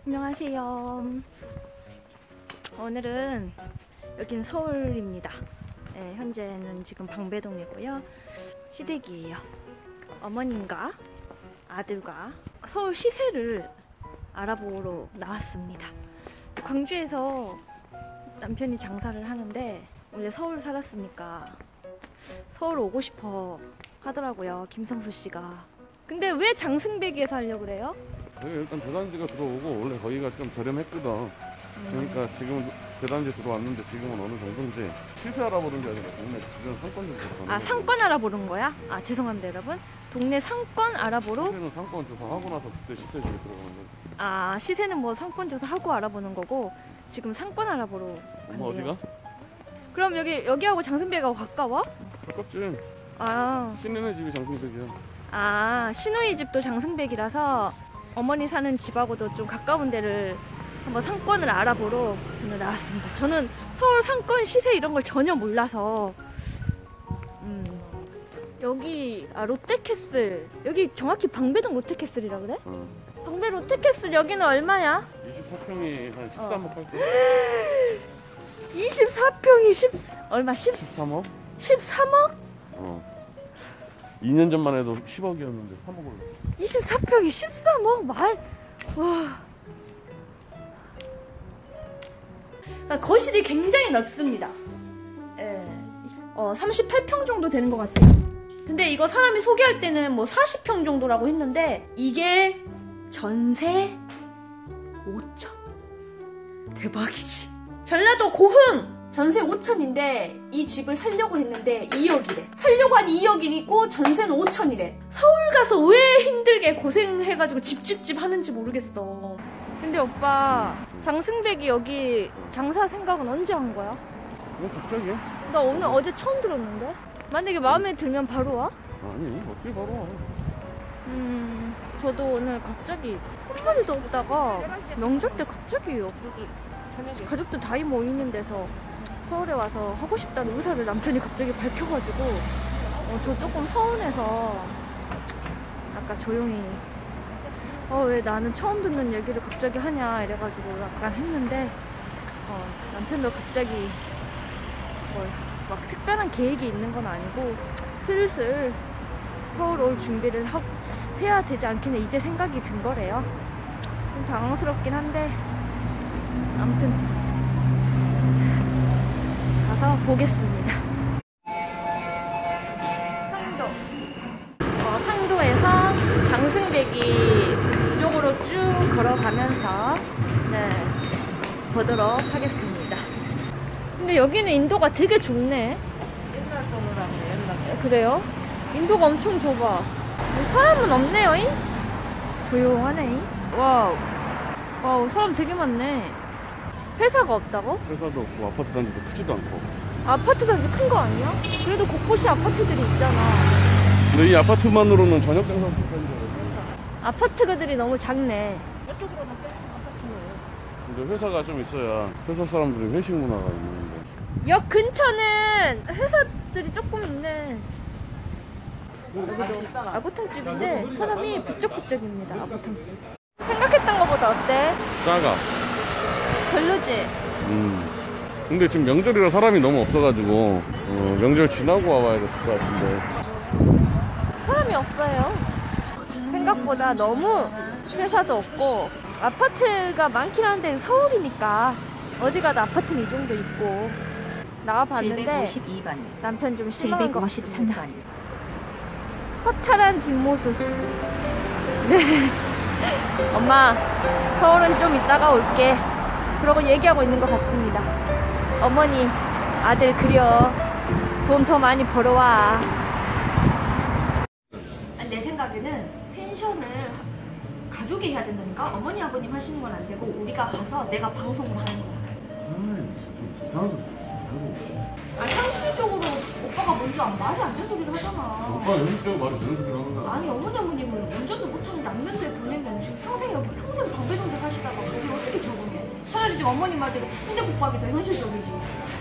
안녕하세요. 오늘은 여긴 서울입니다. 네, 현재는 지금 방배동이고요. 시댁이에요. 어머님과 아들과 서울 시세를 알아보러 나왔습니다. 광주에서 남편이 장사를 하는데 원래 서울 살았으니까 서울 오고 싶어 하더라고요, 김성수 씨가. 근데 왜 장승배기에서 하려고 그래요? 일단 대단지가 들어오고 원래 거기가 좀 저렴했거든. 그러니까 지금 대단지 들어왔는데 지금은 어느 정도인지 시세 알아보는 게 아니라 동네 주변 상권 좀 보러 가는. 아, 상권 알아보는 거야? 아, 죄송합니다 여러분. 동네 상권 알아보러? 시세는 상권 조사하고 나서 그때 시세 중에 들어가는 거지. 아, 시세는 뭐 상권 조사하고 알아보는 거고 지금 상권 알아보러 간대요. 어디가? 그럼 여기하고 장승배가 가까워? 가깝지. 아, 신내네 집이 장승백이야. 아, 시누이 집도 장승백이라서 어머니 사는 집하고도 좀 가까운 데를 한번 상권을 알아보러 오늘 나왔습니다. 저는 서울 상권 시세 이런 걸 전혀 몰라서. 여기 롯데캐슬, 여기 정확히 방배동 롯데캐슬이라 그래? 방배 롯데캐슬 여기는 얼마야? 24평이 한 13억 할 때. 24평이 얼마? 13억? 13억? 2년 전만 해도 10억이었는데 3억을. 24평이 13억? 와. 거실이 굉장히 넓습니다. 예. 38평 정도 되는 것 같아요. 근데 이거 사람이 소개할 때는 뭐 40평 정도라고 했는데 이게 전세 5천. 대박이지. 전라도 고흥! 전세 5천인데 이 집을 살려고 했는데 2억이래. 살려고 한 2억이고 전세는 5천이래. 서울 가서 왜 힘들게 고생해가지고 집 하는지 모르겠어. 근데 오빠, 장승백이 여기 장사 생각은 언제 한 거야? 갑자기? 나 오늘 어제 처음 들었는데? 만약에 마음에 들면 바로 와? 아니, 어떻게 바로 와. 저도 오늘 갑자기 한 마리도 없다가 명절 때 갑자기 여기 가족들 다 모이는 데서 서울에 와서 하고 싶다는 의사를 남편이 갑자기 밝혀가지고 저 조금 서운해서 아까 조용히 왜 나는 처음 듣는 얘기를 갑자기 하냐 이래가지고 약간 했는데 남편도 갑자기 막 특별한 계획이 있는 건 아니고 슬슬 서울 올 준비를 해야 되지 않겠냐 이제 생각이 든 거래요. 좀 당황스럽긴 한데 아무튼 가서 보겠습니다. 상도. 상도에서 장승배기 쪽으로 쭉 걸어가면서 보도록 하겠습니다. 근데 여기는 인도가 되게 좁네. 옛날 거라고 옛날. 그래요? 인도가 엄청 좁아. 사람은 없네요. 조용하네. 와우, 사람 되게 많네. 회사가 없다고? 회사도 없고 아파트 단지도 크지도 않고. 아파트 단지 큰 거 아니야? 그래도 곳곳이 아파트들이 있잖아. 근데 이 아파트만으로는 저녁 장사 못하는 줄 아파트들이 너무 작네. 이쪽으로 밖에 아파트네. 근데 회사가 좀 있어야 회사 사람들이 회식 문화가 있는데. 역 근처는 회사들이 조금 있네. 여기도 아구탕집인데 사람이 부쩍부쩍입니다. 아구탕집. 생각했던 것보다 어때? 작아. 별로지? 근데 지금 명절이라 사람이 너무 없어가지고 명절 지나고 와봐야 될 것 같은데. 사람이 없어요. 생각보다 너무 회사도 없고 아파트가 많긴 한데 서울이니까 어디 가도 아파트는 이 정도 있고 나와봤는데 752번, 남편 좀 실망한 것 같습니다. 753번. 허탈한 뒷모습. 네. 엄마, 서울은 좀 이따가 올게. 그러고 얘기하고 있는 것 같습니다. 어머니, 아들 그려. 돈 더 많이 벌어와. 내 생각에는 펜션을 가족이 해야 된다니까? 어머니, 아버님 하시는 건 안 되고 우리가 가서 내가 방송을 하는 거야. 좀 이상하게. 상식적으로 오빠가 먼저 말이 안 되는 소리를 하잖아. 오빠가 현실적으로 말이 되는 소리를 하는 거야. 아니, 어머니, 아버님을 운전도 못하는 남면도에 보내면 지금 평생 여기 평생 방배동에 사시다가 거기 어떻게 적응해? 차라리 좀 어머님 말대로 순대국밥이 더 현실적이지.